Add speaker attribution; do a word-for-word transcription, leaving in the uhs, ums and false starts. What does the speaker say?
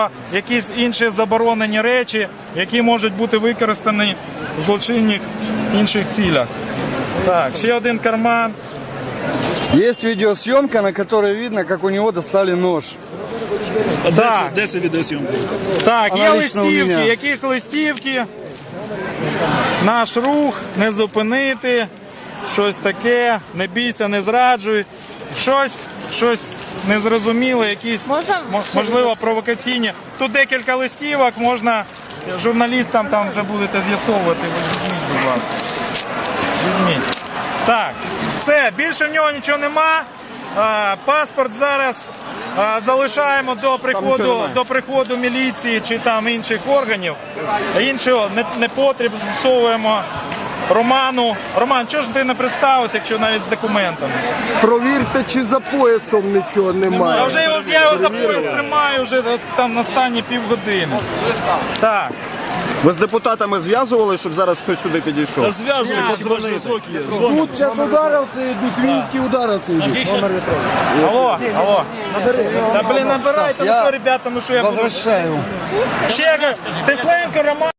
Speaker 1: якісь інші заборонені речі, які можуть бути використані в злочинних інших цілях. Так, ще один карман.
Speaker 2: Есть видеосъемка, на которой видно, как у него достали нож.
Speaker 1: Так,
Speaker 3: Де це відеосйомка?
Speaker 1: так, є
Speaker 2: Аналогічно у
Speaker 1: листівки,
Speaker 2: мене.
Speaker 1: якісь листівки. Наш рух, не зупинити, щось таке, не бійся, не зраджуй. Щось, щось незрозуміле, якісь,
Speaker 4: Можна?
Speaker 1: мо- можливо, провокаційні. Тут декілька листівок, можна, журналістам там вже будете з'ясовувати. Ви візьміть, будь ласка. Візьміть. Так, все, більше в нього нічого нема. А, паспорт зараз а, залишаємо до приходу, до приходу міліції чи там інших органів. Іншого не, не потріб, з'ясовуємо Роману. Роман, чого ж ти не представився, якщо навіть з документами?
Speaker 5: Провірте, чи за поясом нічого
Speaker 1: Я
Speaker 5: немає.
Speaker 1: вже його, я його за пояс тримаю вже там на стані півгодини. Так.
Speaker 6: Ви з депутатами зв'язували, щоб зараз хтось сюди підійшов?
Speaker 3: Та зв'язуй, хіба ж звук є. Дзвони.
Speaker 5: Тут зараз ударовці йдуть, вінські ударовці йдуть.
Speaker 1: Алло, алло. Та блін, набирайте, ну що, ребята, ну що я буду.
Speaker 2: Возвращаю.
Speaker 1: Ще я кажу, Тесленко Роман.